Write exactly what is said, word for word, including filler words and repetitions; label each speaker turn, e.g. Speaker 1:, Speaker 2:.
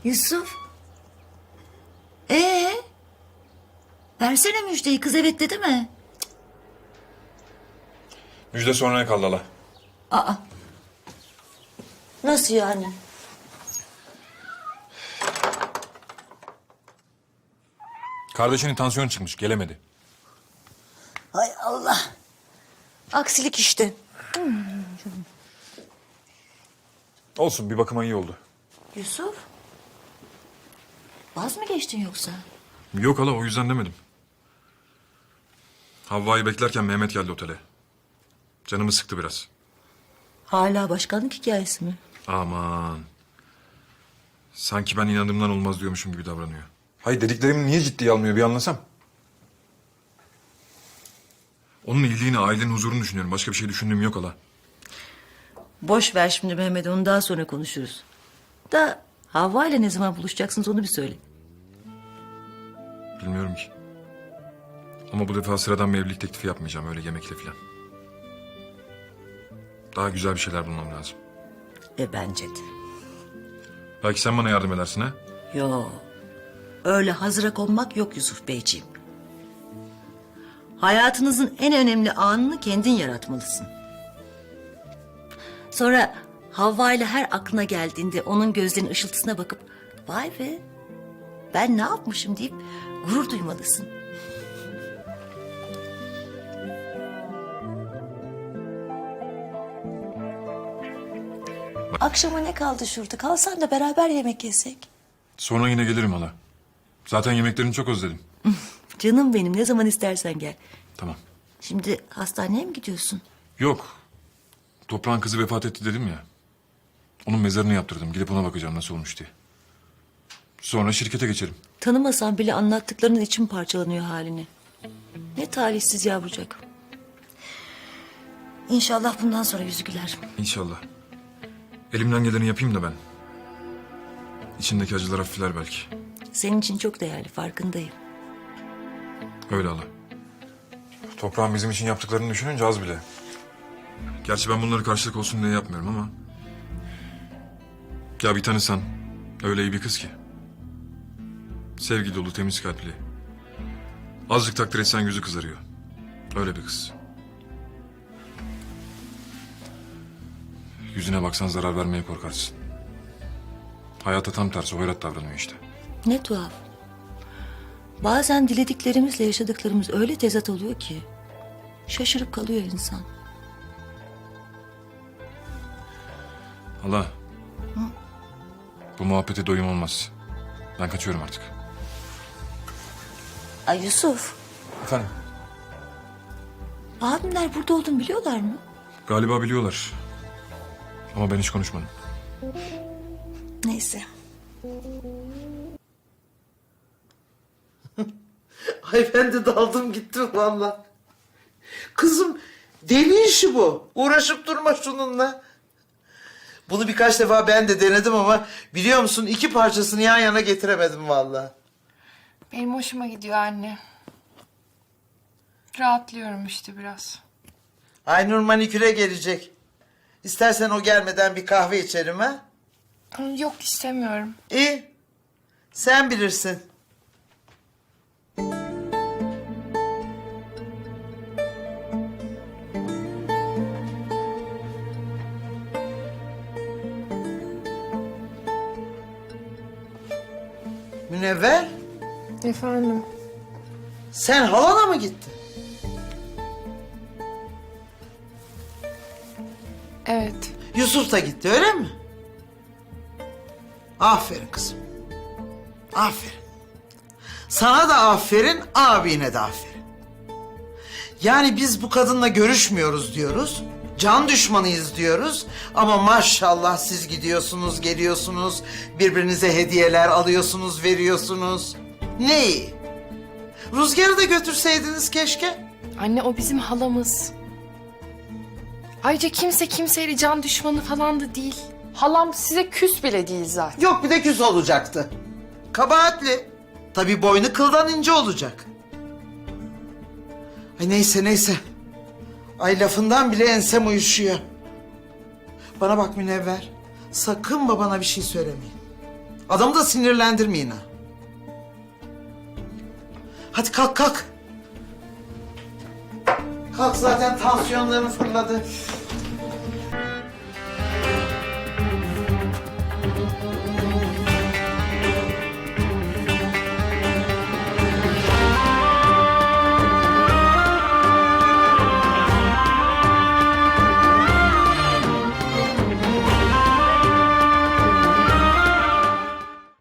Speaker 1: Yusuf. Ee? Versene müjdeyi, kız evet dedi mi?
Speaker 2: Müjde sonraya kaldı hala.
Speaker 1: Aa. Nasıl yani?
Speaker 2: Kardeşinin tansiyonu çıkmış, gelemedi.
Speaker 1: Hay Allah. Aksilik işte.
Speaker 2: Olsun, bir bakıma iyi oldu.
Speaker 1: Yusuf. Vaz mı geçtin yoksa?
Speaker 2: Yok hala, o yüzden demedim. Havva'yı beklerken Mehmet geldi otele. Canımı sıktı biraz.
Speaker 1: Hala başkanlık hikayesi mi?
Speaker 2: Aman. Sanki ben inandığımdan olmaz diyormuşum gibi davranıyor. Hayır, dediklerimi niye ciddiye almıyor bir anlasam. Onun iyiliğini, ailenin huzurunu düşünüyorum. Başka bir şey düşündüğüm yok hala.
Speaker 1: Boş ver şimdi Mehmet, onu daha sonra konuşuruz. Da Havva ile ne zaman buluşacaksınız onu bir söyle.
Speaker 2: Bilmiyorum ki. Ama bu defa sıradan bir evlilik teklifi yapmayacağım. Öyle yemekle falan. Daha güzel bir şeyler bulmam lazım.
Speaker 1: E bence de.
Speaker 2: Belki sen bana yardım edersin ha?
Speaker 1: Yo. Öyle hazıra konmak yok Yusuf Beyciğim. Hayatınızın en önemli anını kendin yaratmalısın. Sonra Havva ile her aklına geldiğinde onun gözlerinin ışıltısına bakıp vay be ben ne yapmışım deyip gurur duymalısın. Akşama ne kaldı şurada? Kalsan da beraber yemek yesek.
Speaker 2: Sonra yine gelirim hala. Zaten yemeklerini çok özledim.
Speaker 1: Canım benim, ne zaman istersen gel.
Speaker 2: Tamam.
Speaker 1: Şimdi hastaneye mi gidiyorsun?
Speaker 2: Yok. Toprağın kızı vefat etti dedim ya. Onun mezarını yaptırdım. Gidip ona bakacağım nasıl olmuş diye. Sonra şirkete geçerim.
Speaker 1: Tanımasan bile anlattıklarının için parçalanıyor halini. Ne talihsiz yavrucak. İnşallah bundan sonra yüzü güler.
Speaker 2: İnşallah. Elimden geleni yapayım da ben. İçindeki acılar hafifler belki.
Speaker 1: Senin için çok değerli, farkındayım.
Speaker 2: Öyle hala. Toprağın bizim için yaptıklarını düşününce az bile. Gerçi ben bunları karşılık olsun diye yapmıyorum ama... Ya bir tanısan, öyle iyi bir kız ki. Sevgi dolu, temiz kalpli. Azıcık takdir etsen yüzü kızarıyor. Öyle bir kız. Yüzüne baksan zarar vermeye korkarsın. Hayata tam tersi hoyrat davranıyor işte.
Speaker 1: Ne tuhaf. Bazen dilediklerimizle yaşadıklarımız öyle tezat oluyor ki... şaşırıp kalıyor insan.
Speaker 2: Hala. Bu muhabbete doyum olmaz. Ben kaçıyorum artık.
Speaker 1: Ay Yusuf,
Speaker 2: Efendim?
Speaker 1: abimler burada olduğunu biliyorlar mı?
Speaker 2: Galiba biliyorlar. Ama ben hiç konuşmadım.
Speaker 1: Neyse.
Speaker 3: Ay ben de daldım gittim valla. Kızım deli işi bu. Uğraşıp durma şununla. Bunu birkaç defa ben de denedim ama biliyor musun iki parçasını yan yana getiremedim valla.
Speaker 4: Benim hoşuma gidiyor anne. Rahatlıyorum işte biraz.
Speaker 3: Aynur maniküre gelecek. İstersen o gelmeden bir kahve içerim ha?
Speaker 4: Yok istemiyorum.
Speaker 3: İyi. Sen bilirsin. Münevver,
Speaker 4: Efendim?
Speaker 3: sen halana mı gittin?
Speaker 4: Evet.
Speaker 3: Yusuf da gitti öyle mi? Aferin kızım. Aferin. Sana da aferin, abine de aferin. Yani biz bu kadınla görüşmüyoruz diyoruz. Can düşmanıyız diyoruz. Ama maşallah siz gidiyorsunuz, geliyorsunuz. Birbirinize hediyeler alıyorsunuz, veriyorsunuz. Ne iyi. Rüzgar'ı da götürseydiniz keşke.
Speaker 4: Anne o bizim halamız. Ayrıca kimse kimseyle can düşmanı falan da değil. Halam size küs bile değil zaten.
Speaker 3: Yok bir de küs olacaktı. Kabahatli. Tabii boynu kıldan ince olacak. Ay neyse neyse. Ay lafından bile ensem uyuşuyor. Bana bak Münevver. Sakın babana bir şey söylemeyin. Adamı da sinirlendirmeyin ha. Hadi kalk kalk. Kalk zaten tansiyonların fırladı.